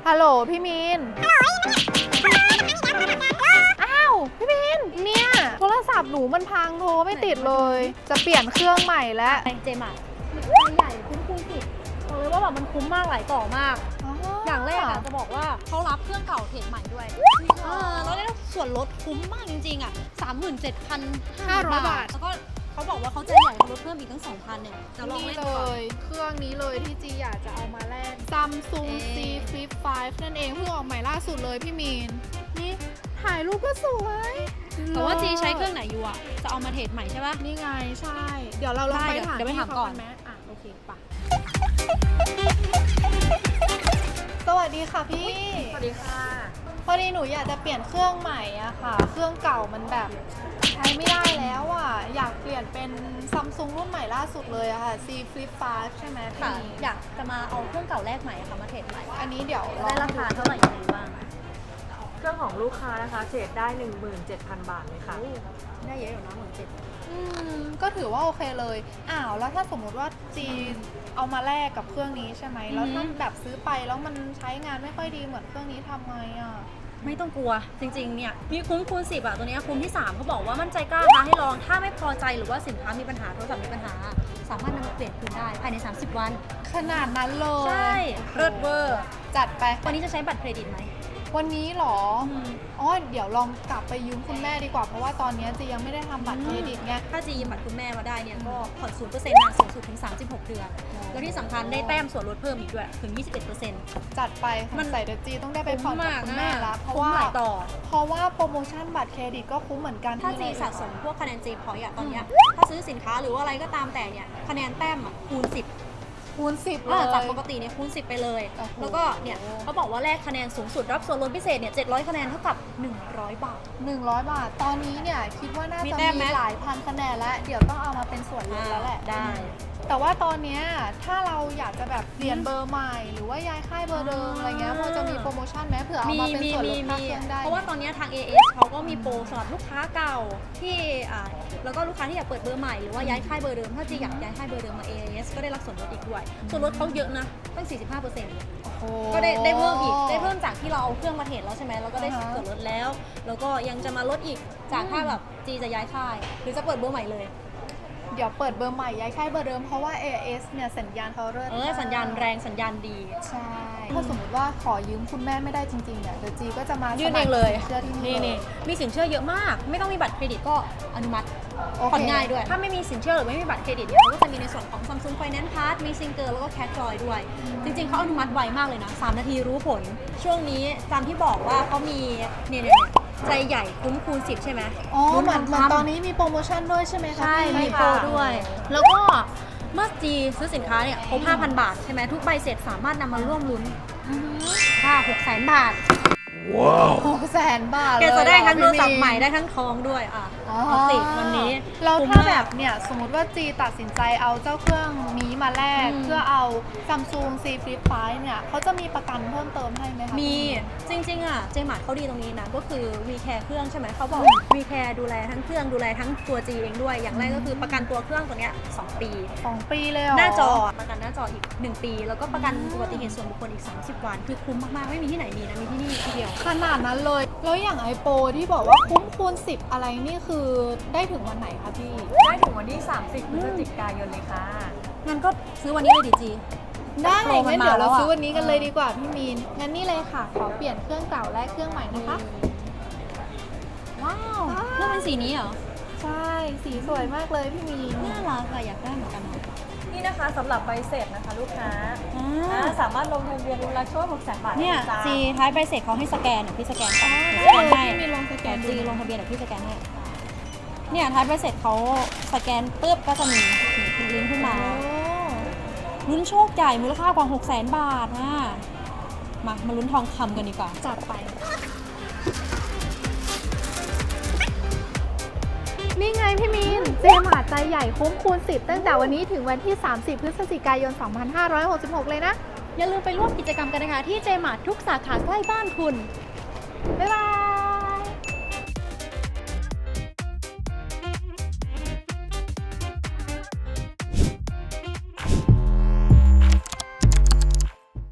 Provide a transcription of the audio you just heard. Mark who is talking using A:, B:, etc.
A: ฮัลโหลพี่มีนอ้าวพี่มีนเนี่ยโทรศัพท์หนูมันพังโทรไม่ติดเลยจะเปลี่ยนเครื่องใหม่แล้ว
B: เจมาใหญ่คุ้มสุดบอกเลยว่าแบบมันคุ้มมากหลายต่อมากอย่างแรกอะจะบอกว่าเขารับเครื่องเก่าเทรดใหม่ด้วยแล้วได้ส่วนลดคุ้มมากจริงๆอะ37,500 บาทแล้วก็เขาบอกว่าเขาจะใหญ่ลดเพิ่มอีกตั้ง 2,000 เนี่ยจะลอง
A: นี่
B: เล่น
A: เล
B: ก่อน
A: ยเครื่องนี้เลยที่จีอยากจะเอามาแลก Samsung C Flip 5 นั่นเองเพิ่งออกใหม่ล่าสุดเลยพี่มีนนี่ถ่ายรูปก็สวย
B: แต่ว่าจีใช้เครื่องไหนอยู่อะจะเอามาเทรดใหม่ใช่ปะ
A: นี่ไงใช่เดี๋ยวเราลองไปถาม
B: เดี๋ยวไปถามก่อน
A: ไหมอ่ะโอเคปะสวัสดีค่ะพี่สวัสดีค่ะพอดีหนูอยากจะเปลี่ยนเครื่องใหม่อะค่ะเครื่องเก่ามันแบบใช้ไม่ได้แล้วอะอยากเปลี่ยนเป็นซัมซุงรุ่นใหม่ล่าสุดเลยอะค่ะ C Flip 5 ใช่ไหมพี่
B: ค่ะอยากจะมาเอาเครื่องเก่าแลกใหม่ค่ะมาเทรดใหม่
A: อันนี้เดี๋ยว
B: ได้ราคาเท่าไหร่ยังไงบ้าง
C: เครื่องของลูกค้านะคะเทรดได้ 17,000 บาทเลยค่ะ
B: ได้เยอะอยู่นะ17,000
A: ก็ถือว่าโอเคเลยอ้าวแล้วถ้าสมมุติว่าจีเอามาแลกกับเครื่องนี้ใช่ไหมแล้วถ้าแบบซื้อไปแล้วมันใช้งานไม่ค่อยดีเหมือนเครื่องนี้ทำไงอะ
B: ไม่ต้องกลัวจริงๆเนี่ยมีคุ้มคูณ10อะตัวนี้คุ้มที่3เขาบอกว่ามั่นใจกล้าท้าให้ลองถ้าไม่พอใจหรือว่าสินค้ามีปัญหาโทรศัพท์มีปัญหาสามารถนำมาเปลี่ยนคืนได้ภายใน30 วัน
A: ขนาดนั้นเลย
B: ใช่เลิศเวอร์
A: จัดไป
B: วันนี้จะใช้บัตรเครดิตไหม
A: วันนี้เหรออ๋อเดี๋ยวลองกลับไปยืมคุณแม่ดีกว่าเพราะว่าตอนนี้จียังไม่ได้ทำบัตรเครดิตไง
B: ถ้าจะยืมบัตรคุณแม่มาได้เนี่ยก็ผ่อน 0% นานสูงสุดถึง36 เดือนแล้วที่สำคัญได้แต้มส่วนลดเพิ่มอีกด้วยถึง 21%
A: จัดไป
B: มั
A: มัน
B: น
A: ใส่เดจีต้องได้ไปผ่อนกับคุณแม่ละเพราะ
B: คุ้ม
A: ว่า
B: หลายต่อ
A: เพราะว่าโปรโมชั่นบัตรเครดิตก็คุ้มเหมือนกัน
B: ถ้าจี
A: ที่
B: สะสมพวกคะแนนจีพอยต์อะตอนเนี้ยถ้าซื้อสินค้าหรือว่าอะไรก็ตามแต่เนี่ยคะแนนแต้มอะคูณ 10
A: คูณ10เลย
B: จากปกติเนี่ยคูณ 10 ไปเลย
A: โอ้โห
B: แล้วก็เนี่ยเขาบอกว่าแลกคะแนนสูงสุดรับส่วนลดพิเศษเนี่ย700 คะแนนเท่ากับ 100 บาท
A: 100 บาทตอนนี้เนี่ยคิดว่าน่า
B: มี
A: จะ
B: แต้มไหม
A: มีหลายพันคะแนนแล้วเดี๋ยวต้องเอามาเป็นส่วนลดแล้วแหละ
B: ได้
A: แต่ว่าตอนเนี้ยถ้าเราอยากจะแบบเปลี่ยนเบอร์ใหม่หรือว่าย้ายค่ายเบอร์เดิมอะไรเงี้ยพอจะมีโปรโมชั่นไหมเผื่อเอามาเป็นส่วนลดค่าเครื่องได้
B: เพราะว่าตอนนี้ทาง AS เขาก็มีโปรสำหรับลูกค้าเก่าที่แล้วก็ลูกค้าที่อยากเปิดเบอร์ใหม่หรือว่าย้ายค่ายเบอร์เดิมถ้าจีอยากย้ายค่ายเบอร์เดิมมา AS ก็ได้รับส่วนลดอีกด้วยส่วนลดเขาเยอะนะตั้ง 45%
A: โอ้โห
B: ก็ได้เพิ่มอีกได้เพิ่มจากที่เราเอาเครื่องมาเทรดแล้วใช่ไหมเราก็ได้ส่วนลดแล้ว แล้วก็ยังจะมาลดอีกจากถ้าแบบจีจะย้ายค่ายหรือจะเปิดเบอร์ใหม่เลย
A: เดี๋ยวเปิดเบอร์ใหม่ย้ายค่ายเบอร์เดิมเพราะว่า AS เนี่ยสัญญาณเขาเลิศมาก
B: สัญญาณแรงสัญญาณดี
A: ใช่ถ้าสมมติว่าขอยืมคุณแม่ไม่ได้จริงๆเนี่ยเดี๋ยวจีก็จะมา
B: ยื่นเองเลย
A: สมัครสินเชื่อที่นี่เลย
B: มีสินเชื่อเยอะมาก ไม่ต้องมีบัตรเครดิตก็อนุมัติ
A: โอเค
B: ผ่อนง่ายด้วย ถ้าไม่มีสินเชื่อหรือไม่มีบัตรเครดิตเนี่ยเขาก็จะมีในส่วนของ Samsung Finance Card มีซิงเกิลแล้วก็แคชจอยด้วย จริงๆเขาอนุมัติไวมากเลยนะ3 นาทีรู้ผล ช่วงนี้ตามที่บอกว่าเขามีเนี่ยใจใหญ่คุ้มคูณ10ใช่ไหม
A: อ๋อเหมือน
B: ทำ
A: ตอนนี้มีโปรโมชั่นด้วยใช่ไหมคะ
B: ใช่
A: พี่
B: มีโปรด้วย แล้วก็เมื่อจีซื้อสินค้าเนี่ยครบ 5,000 บาทใช่ไหมทุกใบเสร็จสามารถนำมาร่วมลุ้นค่ะ600,000 บาท
A: 600,000 บาท
B: แกจะได้ทั้งโทรศัพท์
A: พี่
B: ใหม่ได้ทั้งทองด้วยเอาสิวันนี้
A: แล้ว
B: คุ้ม
A: ถ้าม
B: ก
A: แบบเนี่ยสมมติว่าจีตัดสินใจเอาเจ้าเครื่องนี้มาแลกเพื่อเอา Samsung C Flip 5 เนี่ยเขาจะมีประกันเพิ่มเติมให้ไหมคะ
B: มีจริงๆอ่ะเจมาร์ทเขาดีตรงนี้นะก็คือ V Care เครื่องใช่ไหมเขาบอก V Care ดูแลทั้งเครื่องดูแลทั้งตัวจีเองด้วยอย่างแรกก็คือประกันตัวเครื่องตัวเนี้ย2 ปี
A: 2 ปีเลยเหรอ
B: หน้าจอประกันหน้าจออีก1 ปีแล้วก็ประกันอุบัติเหตุส่วนบุคคลอีก30 วันคือคุ้มมากๆไม่มีที่ไหนมีนะมีที่นี่ที่เดียว
A: ขนาดนั้นเลย แล้วอย่างไอโปรที่บอกว่าคุ้มคูณ10 อะไรนี่คือได้ถึงวันไหนคะพี่
C: ได้ถึงวันที่ 30 พฤศจิกายนเลยค่ะ
B: งั้นก็ซื้อวันนี้เลยดิจี
A: ได้
B: โปรมัน
A: งั้นเดี๋ยว
B: มาแล้
A: เรา
B: วอะ
A: ซื้อวันนี้กันเลยดีกว่าพี่มีน งั้นนี่เลยค่ะ ขอเปลี่ยนเครื่องเก่าและเครื่องใหม่นะคะ
B: ว้าวเครื่องเป็นสีนี้เหรอ
A: ใช่ สีสวยมากเลยพี่มีน
B: น่ารักอะอยากได้เหมือนกันอะ
C: นี่นะคะสำหรับใบเสร็จนะคะลูกค้าสามารถลงทะเบียนรุนละช่วย600,000 บาท
B: เนี่ย
C: จ้า
B: จีท้ายใบเสร็จเขาให้สแกนเดี๋ยวพี่สแกนก่อน
A: อ๋อ
B: เดี๋ยวสแกนให้
A: พี่มีนลงสแกนดู
B: จีลงทะเบียนเดี๋ยวพี่สแกนให้เนี่ยท้ายใบเสร็จเขาสแกนปุ๊บก็จะมีลิงก์ขึ้นมา
A: โอ้
B: ลุ้นโชคใหญ่มูลค่ากว่า 600,000 บาทนะมาลุ้นทองคำกันดีกว่า
A: จัดไป นี่ไงพี่มีน เจมาร์ทใจใหญ่คุ้มคูณ10 ตั้งแต่วันนี้ถึงวันที่ 30 พฤศจิกายน 2566 เลยนะ
B: อย่าลืมไปร่วมกิจกรรมกันนะคะที่เจมาร์ททุกสาขาใกล้บ้านคุณ
A: บ๊ายบาย